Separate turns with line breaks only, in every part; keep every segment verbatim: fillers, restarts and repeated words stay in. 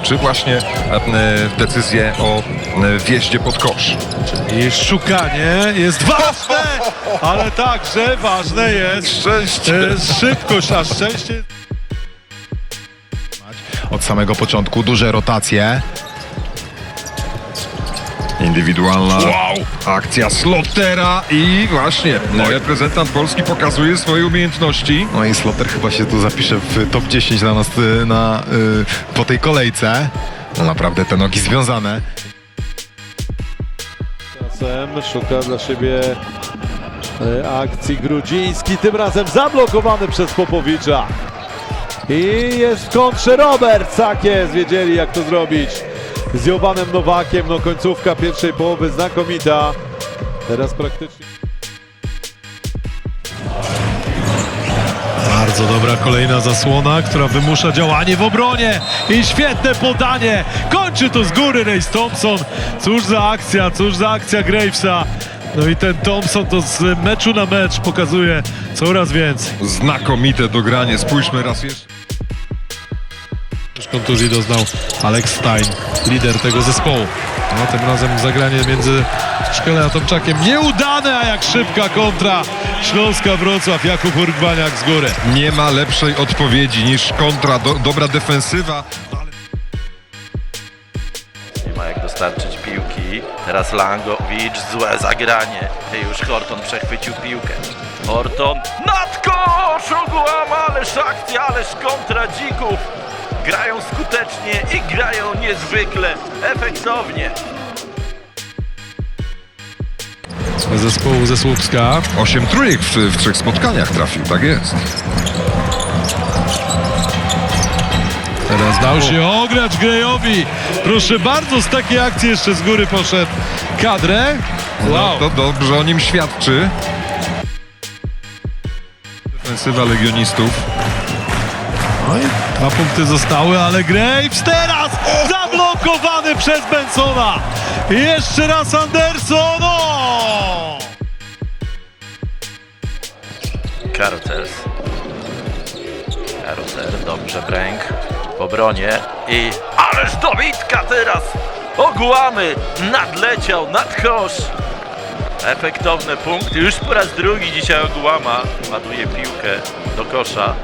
czy właśnie decyzję o wjeździe pod kosz.
I szukanie jest ważne, ale także ważne jest
Szczęście.
e, szybkość, a szczęście.
Od samego początku duże rotacje.
Indywidualna akcja Slotera i właśnie reprezentant Polski pokazuje swoje umiejętności.
No i Sloter chyba się tu zapisze w top dziesięć dla nas y, na, y, po tej kolejce. No naprawdę te nogi związane.
Czasem szuka dla siebie e, akcji Grudziński, tym razem zablokowany przez Popowicza. I jest w kontrze Robert, tak jest, wiedzieli jak to zrobić. Z Jowanem Nowakiem, no końcówka pierwszej połowy znakomita. Teraz praktycznie... Bardzo dobra kolejna zasłona, która wymusza działanie w obronie. I świetne podanie. Kończy to z góry Race Thompson. Cóż za akcja, cóż za akcja Gravesa. No i ten Thompson to z meczu na mecz pokazuje coraz więcej.
Znakomite dogranie, spójrzmy raz jeszcze.
Już kontuzji doznał Alex Stein, lider tego zespołu. No, tym razem zagranie między Szkelem a Tomczakiem nieudane, a jak szybka kontra Śląska Wrocław, Jakub Urgbaniak z góry.
Nie ma lepszej odpowiedzi niż kontra, do, dobra defensywa.
Nie ma jak dostarczyć piłki. Teraz Langowicz, złe zagranie. I już Horton przechwycił piłkę. Horton nad kosz, Ogłama, ależ akcja, ależ kontra Dzików. Grają skutecznie i grają niezwykle efektownie.
Zespołu ze Słupska.
Osiem trójek w, w trzech spotkaniach trafił, tak jest.
Teraz dał się ograć Grejowi. Proszę bardzo, z takiej akcji jeszcze z góry poszedd kadrę.
No,
Wow.
to dobrze o nim świadczy. Defensywa legionistów.
No i dwa punkty zostały, ale Graves teraz zablokowany przez Bensona. I jeszcze raz Anderson. O!
Karuters. Karuter, dobrze Bręk w obronie i ależ dobitka teraz! Ogłamy nadleciał nad kosz. Efektowne punkty, już po raz drugi dzisiaj Ogłama ładuje piłkę do kosza.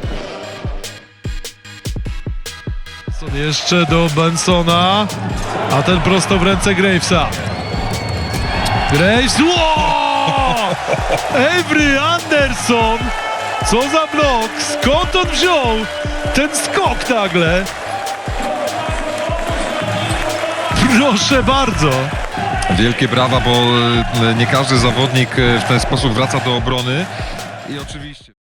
Jeszcze do Bensona, a ten prosto w ręce Gravesa. Graves, wow! Avery Anderson, co za blok, skąd on wziął ten skok nagle? Proszę bardzo.
Wielkie brawa, bo e, nie każdy zawodnik e, w ten sposób wraca do obrony. I oczywiście...